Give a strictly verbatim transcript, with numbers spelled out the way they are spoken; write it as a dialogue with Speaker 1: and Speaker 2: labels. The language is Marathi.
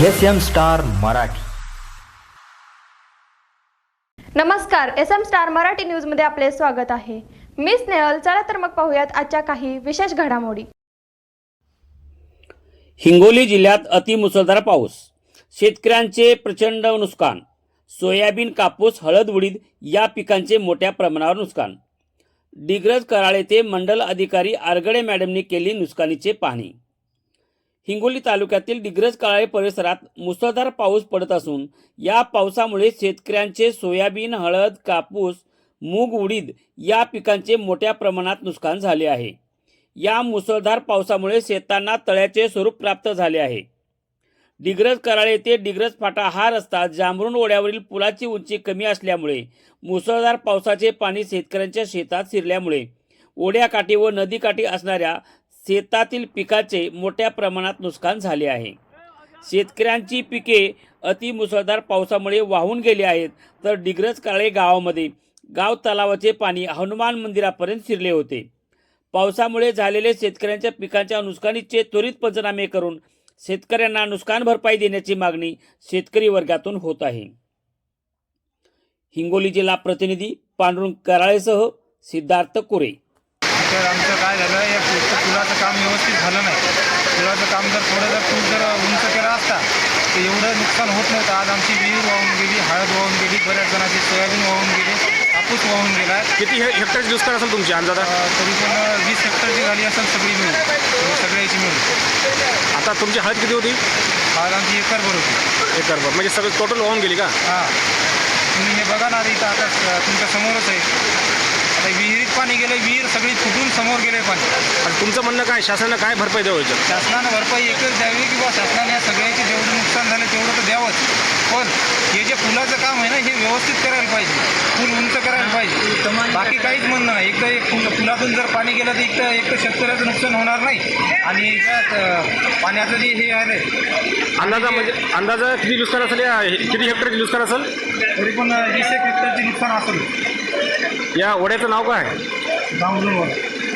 Speaker 1: S M star Marathi.
Speaker 2: नमस्कार, S M star Marathi news मध्ये आपले स्वागत आहे. मी स्नेहल. चला तर मग पाहूयात आजच्या काही विशेष घडामोडी.
Speaker 3: हिंगोली जिल्ह्यात अतिमुसळधार पाऊस, शेतकऱ्यांचे प्रचंड नुकसान. सोयाबीन, कापूस, हळद, उडीद या पिकांचे मोठ्या प्रमाणावर नुकसान. डिग्रज कराड येथे मंडल अधिकारी आरगडे मॅडमनी केली नुकसानीची पाहणी. हिंगोली तालुक्यातील डिग्रज कराळे परिसरात मुसळधार पाऊस पडत असून या पावसामुळे शेतकऱ्यांचे सोयाबीन, हळद, कापूस, मूग, उडीद या पिकांचे मोठ्या प्रमाणात नुकसान झाले आहे. या मुसळधार पावसामुळे शेतांना तळ्याचे स्वरूप प्राप्त झाले आहे. डिग्रज कराळे येथे डिग्रज फाटा हा रस्ता जांभरुण ओढ्यावरील पुलाची उंची कमी असल्यामुळे मुसळधार पावसाचे पाणी शेतकऱ्यांच्या शेतात शिरल्यामुळे ओढ्याकाठी व नदीकाठी असणाऱ्या शेतातील पिकाचे मोठ्या प्रमाणात नुकसान झाले आहे. शेतकऱ्यांची पिके अतिमुसळधार पावसामुळे वाहून गेली आहेत. तर डिग्रज कराळे गावामध्ये गाव तलावाचे पाणी हनुमान मंदिरापर्यंत शिरले होते. पावसामुळे झालेले शेतकऱ्यांच्या पिकांच्या नुकसानीचे त्वरित पंचनामे करून शेतकऱ्यांना नुकसान भरपाई देण्याची मागणी शेतकरी वर्गातून होत आहे. हिंगोली जिल्हा प्रतिनिधी पांडुरंग कराळेसह सिद्धार्थ कुरे.
Speaker 4: तर आमचं काय झालं, या पुलाचं काम व्यवस्थित झालं नाही. पुलाचं काम जर थोडं जर पूल जर उंच केला असता तर एवढं नुकसान होत नव्हतं. आज आमची विहीर वाहून गेली, हळद वाहून गेली, बऱ्याच जणांची सोयाबीन वाहून गेली, कापूस वाहून गेला.
Speaker 5: किती हे हेक्टरची नुकसान असेल तुमची अंदाजा?
Speaker 4: तरी पण वीस हेक्टरची झाली असेल सगळी मिळून, सगळ्याची मिळून.
Speaker 5: आता तुमची हळद किती होती?
Speaker 4: हळद आमची एकरभर होती.
Speaker 5: एकरभर म्हणजे सगळं टोटल वाहून गेली का?
Speaker 4: हां, तुम्ही हे बघा ना, इथं आता तुमच्या समोरच आहे. आता विहिरीत पाणी गेलं, विहीर सगळी फुटून समोर गेले पाणी.
Speaker 5: आणि तुमचं म्हणणं काय, शासनानं काय भरपाई द्यावं?
Speaker 4: शासनानं भरपाई एकच द्यावी की बा शासनाने या सगळ्याचे जेवढं नुकसान झालं तेवढं तर द्यावंच. पण हे जे पुलाचं काम आहे ना, हे व्यवस्थित करायला पाहिजे, पूल उंच करायला पाहिजे. बाकी काहीच म्हणणं नाही. एकदा एक पुल पुलातून जर पाणी गेलं तर एक तर एक तर शेतकऱ्याचं नुकसान होणार नाही आणि याच्यात पाण्याचं जे हे आहे
Speaker 5: अंदाजा म्हणजे अंदाजा किती नुकसान असेल, या किती हेक्टरची नुकसान असेल?
Speaker 4: तरी पण वीस एक हेक्टरचे नुकसान असेल.
Speaker 5: या ओढ्याचं नाव काय?
Speaker 4: जांभरुण.